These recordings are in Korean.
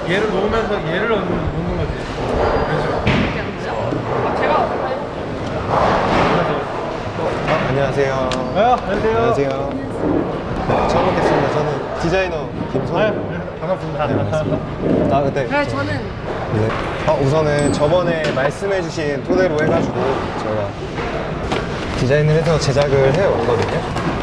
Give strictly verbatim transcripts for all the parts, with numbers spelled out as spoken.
얘를 놓으면서 얘를 놓는, 놓는 거지. 그렇죠. 이렇게 하는 거죠? 아, 제가 한번 해볼게요. 아, 안녕하세요. 아, 안녕하세요. 안녕하세요. 네, 처음 뵙겠습니다. 저는 디자이너 아, 김선. 네, 반갑습니다. 네, 반갑습니다. 아, 그때. 네, 저는 네. 어, 우선은 저번에 말씀해주신 토대로 해가지고 저희가 디자인을 해서 제작을 해왔거든요.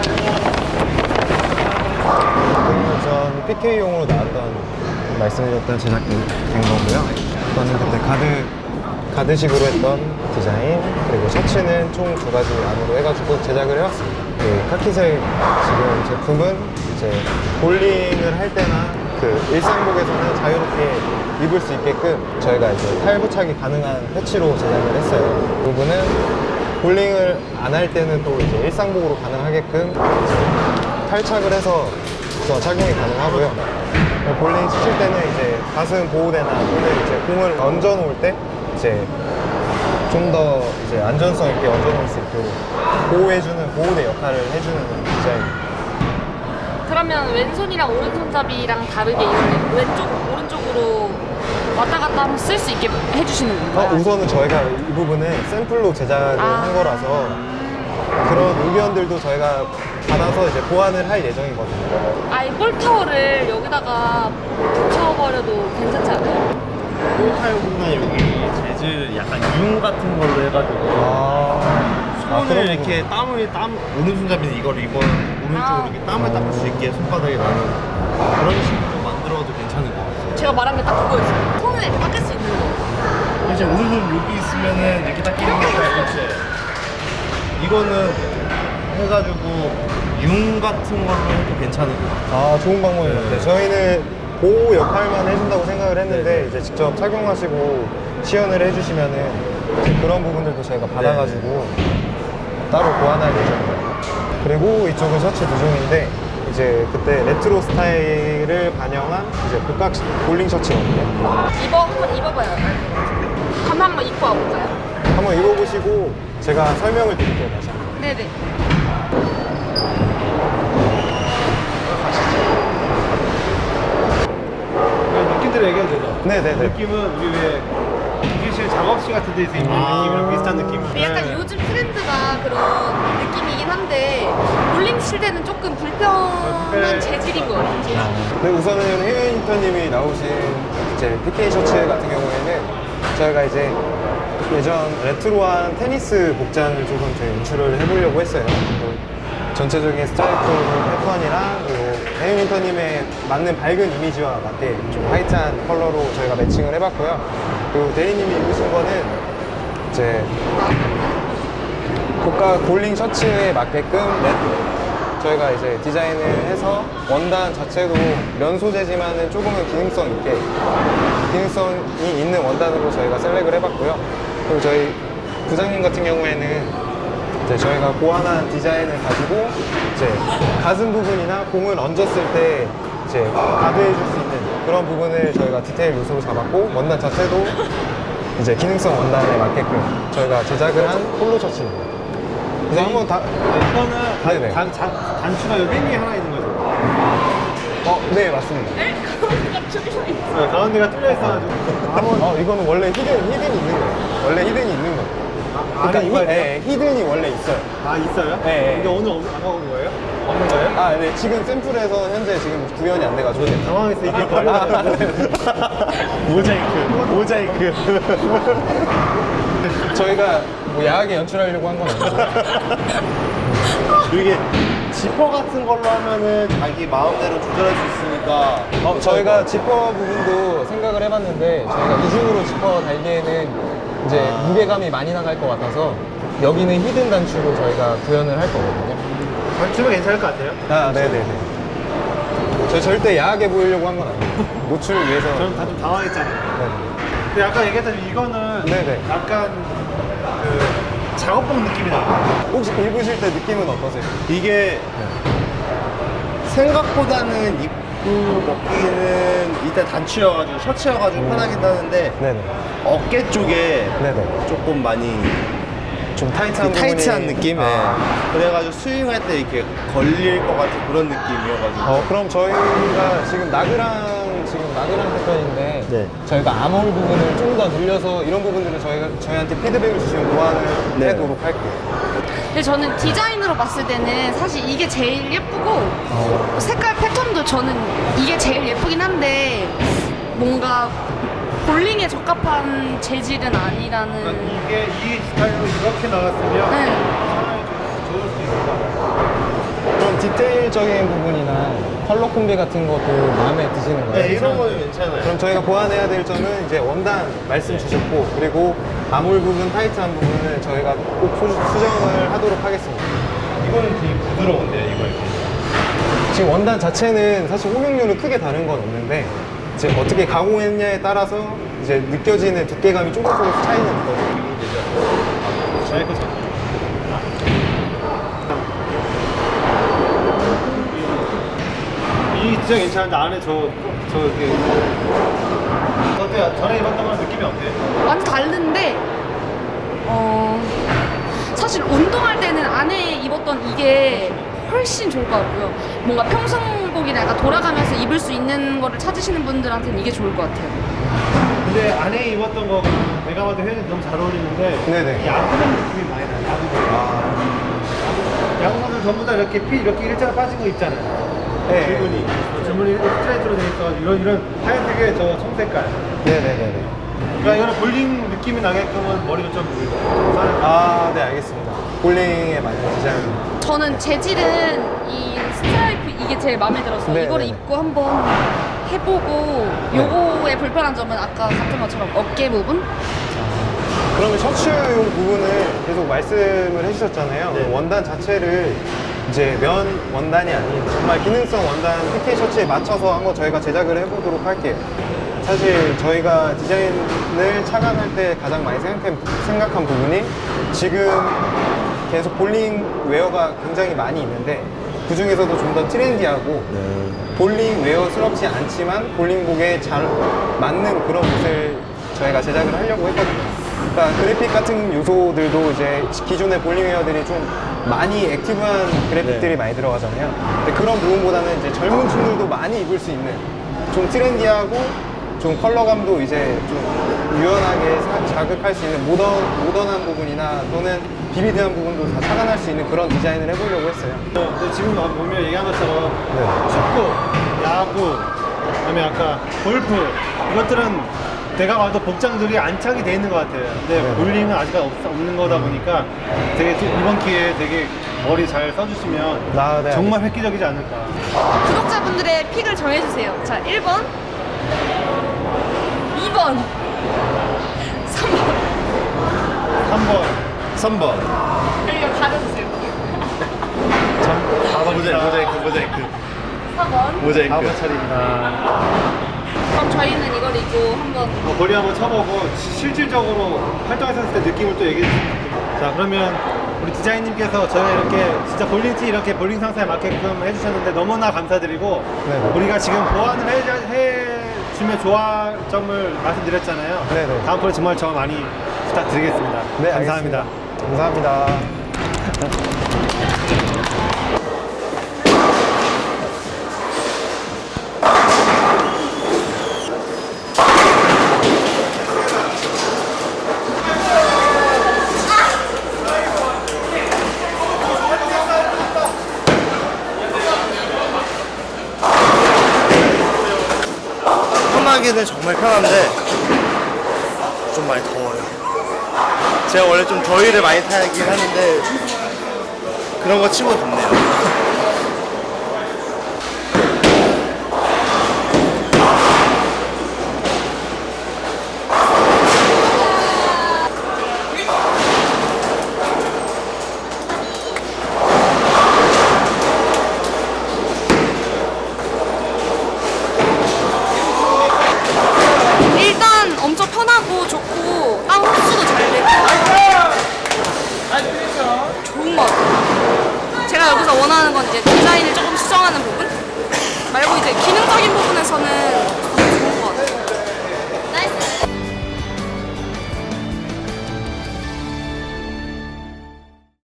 우선 피케이용으로 나왔던 말씀해줬던 제작이 된 거고요. 저는 그때 가드, 가드식으로 했던 디자인, 그리고 셔츠는 총 두 가지 안으로 해가지고 제작을 해왔습니다. 그 카키색 지금 제품은 이제 볼링을 할 때나 그 일상복에서는 자유롭게 입을 수 있게끔 저희가 이제 탈부착이 가능한 패치로 제작을 했어요. 이 부분은 볼링을 안 할 때는 또 이제 일상복으로 가능하게끔 탈착을 해서 저 착용이 가능하고요. 볼링 치실 때는 이제 가슴 보호대나 또는 이제 공을 얹어 놓을 때 이제 좀 더 이제 안전성 있게 얹어 놓을 수 있도록 보호해주는 보호대 역할을 해주는 디자인입니다. 그러면 왼손이랑 오른손잡이랑 다르게 이거는 왼쪽 오른쪽으로 왔다 갔다 하면 쓸 수 있게 해주시는 어, 건가요? 우선은 저희가 이 부분은 샘플로 제작을 아. 한 거라서 그런 의견들도 저희가 받아서 이제 보완을 할 예정이거든요. 아이 볼타워를 여기다가 붙여버려도 괜찮지 않아요? 폴타이어보다 여기 재질 약간 융 같은 걸로 해가지고 아, 손을 아, 그런 이렇게 땀을 땀 오른손잡이는 이걸 이번 오른쪽으로 아. 이렇게 땀을 닦을 수 있게 손바닥에 나는 그런 식으로 만들어도 괜찮을 것 같아요. 제가 말한 게 딱 그거였어요. 손을 이렇게 닦을 수 있는 거. 이제 오른손 여기 있으면은 이렇게 닦이는 거야, 그렇지? 이거는 해가지고 융 같은 걸로 해도 괜찮을 것 같아요. 아, 좋은 방법인 것 같아요. 저희는 보호 역할만 해준다고 생각을 했는데 이제 직접 착용하시고 시연을 해주시면은 이제 그런 부분들도 저희가 받아가지고 따로 보완할 예정입니다. 그리고 이쪽은 셔츠 두 종인데 이제 그때 레트로 스타일을 반영한 이제 복각 볼링 셔츠거든요. 입어 한번 입어봐요. 한번 한번 입고 와볼까요? 한번 입어보시고 제가 설명을 드릴게요, 다시 한번. 네네. 느낌대로 얘기해도 되죠? 네네네. 느낌은 우리 왜 기계실 작업실 같은 데서 입는 느낌이랑 비슷한 느낌. 근데 약간 요즘 트렌드가 그런 느낌이긴 한데 볼링 칠 때는 조금 불편한 불편해. 재질인 것 같아요. 재질. 네, 우선은 해외 인턴님이 나오신 이제 피케이 셔츠 같은 경우에는 저희가 이제 예전 레트로한 테니스 복장을 조금 더 연출을 해보려고 했어요. 뭐 전체적인 스트라이프 패턴이랑 그리고 해윤 인턴님의 맞는 밝은 이미지와 맞게 좀 화이트한 컬러로 저희가 매칭을 해봤고요. 그리고 대리님이 입으신 거는 이제 고가 볼링 셔츠에 맞게끔 레- 저희가 이제 디자인을 해서 원단 자체도 면 소재지만은 조금은 기능성 있게 기능성이 있는 원단으로 저희가 셀렉을 해봤고요. 그리고 저희 부장님 같은 경우에는 이제 저희가 고안한 디자인을 가지고 이제 가슴 부분이나 공을 얹었을 때 이제 가드해 줄 수 있는 그런 부분을 저희가 디테일 요소로 잡았고 원단 자체도 이제 기능성 원단에 맞게끔 저희가 제작을 한 폴로 셔츠입니다. 그래서 한번 다 이거는 네네. 단, 단, 단추가 여기 땡이 하나 있는 거죠? 어, 네 맞습니다. 네? 가운데가 뚫려 있어. 네, 가운데가 뚫려 있어가지고 한번 어, 이거는 원래 히든 히든이 있는 거예요. 원래 히든이 있는 거예요. 그러니까 안에 히, 이거 네, 히든이 원래 있어요. 아 있어요? 네, 네. 근데 오늘 없- 안 가온 거예요? 없는 거예요? 아, 네 지금 샘플에서 현재 지금 구현이 안 돼가지고. 당황해서 이게 아, 걸려. 네. 모자이크, 모자이크. 저희가 뭐 야하게 연출하려고 한 건 아니고. 이게 지퍼 같은 걸로 하면은 자기 마음대로 조절할 수 있으니까. 어, 저희가 지퍼 부분도 생각을 해봤는데 저희가 이중으로 지퍼 달기에는 이제 아. 무게감이 많이 나갈 것 같아서 여기는 히든 단추로 저희가 구현을 할 거거든요. 단추면 괜찮을 것 같아요. 아, 네네네. 저희 절대 야하게 보이려고 한 건 아니에요. 노출을 위해서. 저는 다 좀 당황했잖아요. 네. 근데 아까 얘기했던 이거는 네네. 약간 그 작업복 느낌이 나요. 혹시 입으실 때 느낌은 어떠세요? 이게 생각보다는 입고 먹기는 일단 단추여가지고 셔츠여가지고 편하긴 하는데 네네. 어깨 쪽에 네네. 조금 많이 좀 타이트한 그 타이트한 부분이- 느낌? 예. 아. 그래가지고 스윙할 때 이렇게 걸릴 것 같은 그런 느낌이어가지고 어, 그럼 저희가 지금 나그랑 지금 마그랑 패턴인데 네. 저희가 아몰 부분을 좀 더 늘려서 이런 부분들은 저희가 저희한테 피드백을 주시면 보완을 네. 해도록 할게요. 근데 저는 디자인으로 봤을 때는 사실 이게 제일 예쁘고 어. 색깔 패턴도 저는 이게 제일 예쁘긴 한데 뭔가 볼링에 적합한 재질은 아니라는. 이게 이 스타일로 이렇게 나왔으면 네. 사람이 좀 좋을 수 있을까? 그럼 디테일적인 부분이나 컬러 콤비 같은 것도 마음에 드시는 거예요? 네, 이런 거는 괜찮아요. 그럼 저희가 보완해야 될 점은 이제 원단 말씀 주셨고, 그리고 아몰 부분, 타이트한 부분은 저희가 꼭 수, 수정을 하도록 하겠습니다. 이거는 되게 부드러운데요, 이거 이렇게. 지금 원단 자체는 사실 홈용료는 크게 다른 건 없는데 이제 어떻게 가공했냐에 따라서 이제 느껴지는 두께감이 조금 조금 차이는 있거든요. 저희 거 잘. 이 디자인 괜찮은데 안에 저, 저 이렇게. 어때요? 전에 입었던 거랑 느낌이 어때요? 완전 다른데 어 사실 운동할 때는 안에 입었던 이게 훨씬 좋을 것 같고요. 뭔가 평상복이나 약간 돌아가면서 입을 수 있는 거를 찾으시는 분들한테는 이게 좋을 것 같아요. 근데 안에 입었던 거 내가 봐도 회원이 너무 잘 어울리는데 네네. 야구장 느낌이 많이 나요. 야구장. 아, 야구선수 전부 다 이렇게 피 이렇게 일자로 빠진 거 입잖아요. 네. 줄무늬. 줄무늬 이렇게 스트레이트로 되니까 이런 이런 하얀색의 저 청색깔. 네네네네. 그러니까 이거는 볼링 느낌이 나게끔은 머리도 좀 물고. 아, 네, 알겠습니다. 볼링에 맞는 디자인. 저는 재질은 이 스트라이프 이게 제일 마음에 들어서 네, 이거를 네. 입고 한번 해보고 요거의 불편한 점은 아까 같은 것처럼 어깨 부분? 그러면 셔츠용 부분을 계속 말씀을 해주셨잖아요. 네. 원단 자체를 이제 면 원단이 아닌 정말 기능성 원단 피케 셔츠에 맞춰서 한번 저희가 제작을 해보도록 할게요. 사실 저희가 디자인을 착안할 때 가장 많이 생각한, 생각한 부분이 지금 계속 볼링 웨어가 굉장히 많이 있는데 그 중에서도 좀 더 트렌디하고 볼링 웨어스럽지 않지만 볼링복에 잘 맞는 그런 옷을 저희가 제작을 하려고 했거든요. 그러니까 그래픽 같은 요소들도 이제 기존의 볼링 웨어들이 좀 많이 액티브한 그래픽들이 네. 많이 들어가잖아요. 근데 그런 부분보다는 이제 젊은 층들도 많이 입을 수 있는 좀 트렌디하고 좀 컬러감도 이제 좀 유연하게 사- 자극할 수 있는 모던, 모던한 부분이나 또는 비비드한 부분도 다 착안할 수 있는 그런 디자인을 해보려고 했어요. 근데 지금 보면 얘기한 것처럼 네. 축구, 야구, 그다음에 아까 골프 이것들은 내가 봐도 복장들이 안착이 돼 있는 것 같아요. 근데 네. 볼링은 아직 없, 없는 거다 보니까 되게 좀 이번 기회에 되게 머리 잘 써주시면 아, 네, 정말 획기적이지 않을까. 구독자분들의 픽을 정해주세요. 자, 일 번, 이 번, 삼 번. 삼 번, 삼 번. 그리고 가려주세요. 모자이크, 모자이크, 모자이크. 사 번. 모자이크. 사 번 차례입니다. 그럼 저희는 이걸 입고 한번 어, 거리 한번 쳐보고 시- 실질적으로 활동했을 때 느낌을 또 얘기해 주세요. 자, 그러면 우리 디자인님께서 저희가 이렇게 진짜 볼링티 이렇게 볼링 상사에 맞게끔 해주셨는데 너무나 감사드리고 네네. 우리가 지금 보완을 해, 해주면 좋아할 점을 말씀드렸잖아요. 네네. 다음번에 정말 저 많이 부탁드리겠습니다. 네, 감사합니다. 알겠습니다. 감사합니다. 편하기는 정말 편한데 좀 많이 더워요. 제가 원래 좀 더위를 많이 타긴 하는데 그런 거 치고 덥네요.